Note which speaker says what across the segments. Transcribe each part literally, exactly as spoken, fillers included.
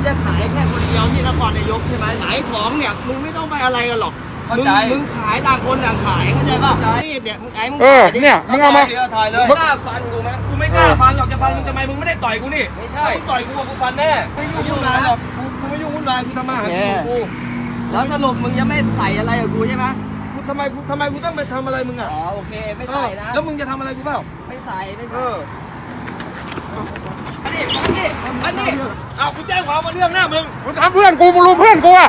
Speaker 1: จะขายแค่คนเดียวที่นครนายกใช่ไหมขายของเนี่ยมึงไม่ต้องไปอะไรกันหรอกมึงมึงขายต่างคนต่างขายเข้าใจป่ะนี่เนี่ยมึงไอ้มึง
Speaker 2: เออเนี่ยมึงเอามา
Speaker 3: ถ่ายเลย
Speaker 1: มึงกล้าฟันกูไหม
Speaker 3: กูไม่กล้าฟันหรอกจะฟันมึงทำไมมึงไม่ได้ต่อยกูนี่
Speaker 1: ไม่ใช่
Speaker 3: มึงต่อยกูกูฟันแน่ไม่ยุ่งวุ่นวายหรอกกูกูไม่ยุ่งวุ่นวายกูทำมาหากินของกู
Speaker 1: แล้วสรุปมึงจะไม่ใส่อะไรกับกูใช่ไหม
Speaker 3: กูทำไมกูทำไมกูต้องไปทำอะไรมึงอ่ะ
Speaker 1: อ๋อโอเคไม่ใส่นะ
Speaker 3: แล้วมึงจะทำอะไรกูเปล่า
Speaker 1: ไม่ใส่ไม่
Speaker 3: เอ
Speaker 1: ใส่
Speaker 3: อ
Speaker 1: อันนี้อันนี้อันนี้
Speaker 3: เอากูแจ้งความมาเรื่องหน้ามึง
Speaker 2: มึงทำเพื่อนกูมึงรู้เพื่อนกูอ่ะ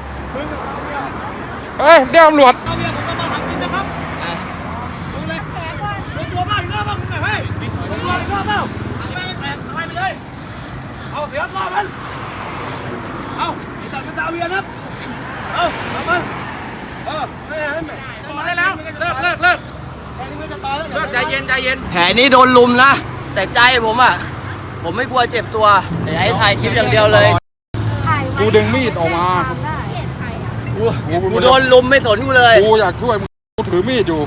Speaker 2: เฮ้ยเดี๋ยวตำรวจ
Speaker 3: เอาเมียผมมาหากินนะครับมึงเลยมึงตัวบ้าอีกรอบบ้างมึงไงเฮ้ยมึงตัวอีกรอบเปล่าแม่งแตกอะไรไปเลยเอาเสียรอบมันเอาไอ้ตัดเป็นดาวเวียนครับเอาเอามันเออไม่ให้ไม่
Speaker 2: มาได้แล้วเลิกเลิกเลิก
Speaker 3: แค่นี้ไม่จะตายแล้ว
Speaker 2: เลิกใจเย็นใจเย็น
Speaker 1: แผลนี้โดนลุมนะแต่ใจผมอ่ะผมไม่กลัวเจ็บตัวแต่ให้ถ่ายคลิปอย่างเดียวเลย
Speaker 2: กูดึงมีดออกมา
Speaker 1: กูกูโดนลุมไม่สนกูเลย
Speaker 2: กูอยากช่วยมึงกูถือมีดอยู่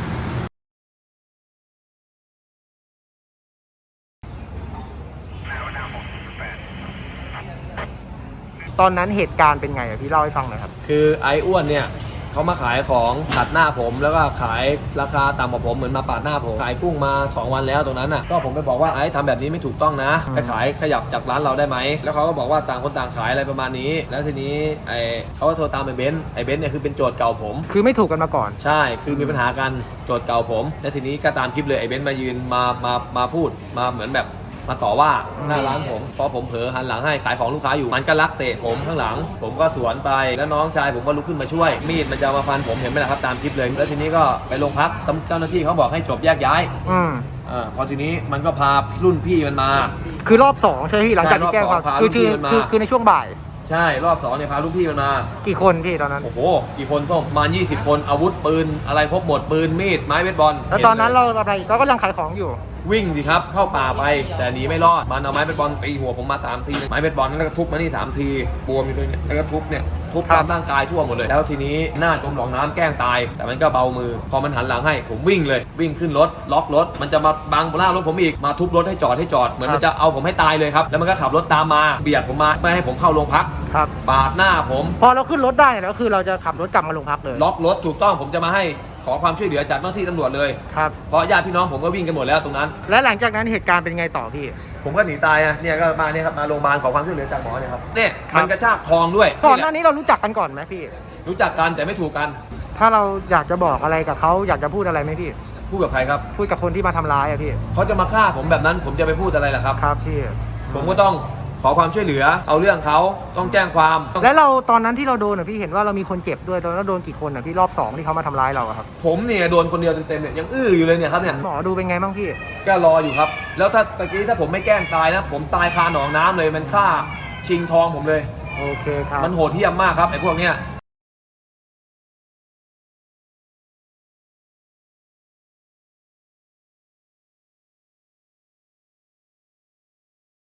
Speaker 4: ตอนนั้นเหตุการณ์เป็นไงอะพี่เล่าให้ฟังหน่อยครับ
Speaker 5: คือไอ้อ้วนเนี่ยเขามาขายของตัดหน้าผมแล้วก็ขายราคาต่ำกว่าผมเหมือนมาปาดหน้าผมขายกุ้งมาสองวันแล้วตรงนั้นน่ะก็ผมไปบอกว่าไอ้ทำแบบนี้ไม่ถูกต้องนะ
Speaker 4: อืม
Speaker 5: ไปขายขยับจากร้านเราได้ไหมแล้วเขาก็บอกว่าต่างคนต่างขายอะไรประมาณนี้ แล้วทีนี้ไอ้เขาก็โทรตามไอ้เบนซ์ไอ้เบนซ์เนี่ยคือเป็นโจทย์เก่าผม
Speaker 4: คือไม่ถูกกันมาก่อน
Speaker 5: ใช่คือมีปัญหากันโจทย์เก่าผม แล้วทีนี้ก็ตามคลิปเลยไอ้เบนซ์มายืนมามามาพูดมาเหมือนแบบมาต่อว่าหน้าร้านผมพอผมเผลอหันหลังให้ขายของลูกค้าอยู่มันก็ลักเตะผมข้างหลัง ผมก็สวนไปแล้วน้องชายผมก็ลุกขึ้นมาช่วยมีดมันจะมาฟันผมเห็นไหมล่ะครับตามคลิปเลยแล้วทีนี้ก็ไปโรงพักเจ้าหน้าที่เขาบอกให้จบแยกย้าย
Speaker 4: อืม
Speaker 5: อ่าพอทีนี้มันก็พารุ่นพี่มันมา
Speaker 4: คือรอบสองใช่ไหมพี่หลังจากที่แก้ความ
Speaker 5: ใช่รอบสองพา
Speaker 4: คือคือ
Speaker 5: ลูกพี่มันมา
Speaker 4: คือคือในช่วงบ่าย
Speaker 5: ใช่รอบสองเนี่ยพารุ่นพี่มันมา
Speaker 4: กี่คนพี่ตอนนั้น
Speaker 5: โอ้โหกี่คนส้มประมาณยี่สิบคนอาวุธปืนอะไรครบหมดปืนมีดไม้เบสบอล
Speaker 4: แล้วตอนนั้นเราอะไรเราก็ยังขายของอยู่
Speaker 5: วิ่งสิครับเข้าป่าไปแต่หนีไม่รอดมันเอาไม้เบสบอลตีหัวผมมาสามทีไม้เบสบอลแล้วก็ทุบมานี่สามทีบวมอยู่ตรงนี้แล้วก็ทุบเนี่ยทุบตามร่างกายทั่วหมดเลยแล้วทีนี้หน้าจมหนองน้ำแกล้งตาย แต่มันก็เบามือพอมันหันหลังให้ผมวิ่งเลยวิ่งขึ้นรถล็อกรถมันจะมาบังหน้ารถผมอีกมาทุบรถให้จอดให้จอดเหมือนมันจะเอาผมให้ตายเลยครับแล้วมันก็ขับรถตามมาเบียดผมมาไม่ให้ผมเข้าโรงพัก
Speaker 4: ครับ
Speaker 5: ปาดหน้าผม
Speaker 4: พอเราขึ้นรถได้แล้วคือเราจะขับรถกลับมาโรงพักเลย
Speaker 5: ล็อกรถถูกต้องผมจะมาให้ขอความช่วยเหลือจากเจ้าหน้าที่ตำรวจเลย
Speaker 4: ครับ
Speaker 5: เพราะญาติพี่น้องผมก็วิ่งกันหมดแล้วตรงนั้น
Speaker 4: และหลังจากนั้นเหตุการณ์เป็นไงต่อพี่
Speaker 5: ผมก็หนีตายอ่ะเนี่ยก็มาเนี่ยครับมาโรงพยาบาลขอความช่วยเหลือจากหมอเนี่ยครับเนี่ย
Speaker 4: ครับ
Speaker 5: มันกระชากทองด้วย
Speaker 4: ก่อนหน้านี้เรารู้จักกันก่อนไหมพี่
Speaker 5: รู้จักกันแต่ไม่ถูกกัน
Speaker 4: ถ้าเราอยากจะบอกอะไรกับเขาอยากจะพูดอะไรไหมพี่
Speaker 5: พูดกับใครครับ
Speaker 4: พูดกับคนที่มาทำร้ายอะพี่
Speaker 5: เขาจะมาฆ่าผมแบบนั้นผมจะไปพูดอะไรล่ะครับ
Speaker 4: ครับพี่
Speaker 5: ผมก็ต้องขอความช่วยเหลือ เอาเรื่องเขาต้องแจ้งความต้อง
Speaker 4: แล้วเราตอนนั้นที่เราโดนอะพี่เห็นว่าเรามีคนเจ็บด้วยตอนนั้นเราโดนกี่คนอะพี่รอบสองที่เขามาทำร้ายเราอะครับ
Speaker 5: ผมเนี่ยโดนคนเดียวเต็มๆเนี่ยยังอื้ออยู่เลยเนี่ยครับเนี่ย
Speaker 4: หมอดูเป็นไงบ้างพี่
Speaker 5: ก็รออยู่ครับ แล้วถ้าตะกี้ถ้าผมไม่แกล้งตายนะ ผมตายคาหนองน้ำเลยมันฆ่าชิงทองผมเลย
Speaker 4: โอเคครับ
Speaker 5: มันโหดเหี้ยมมากครับไอ้พวกเนี้ย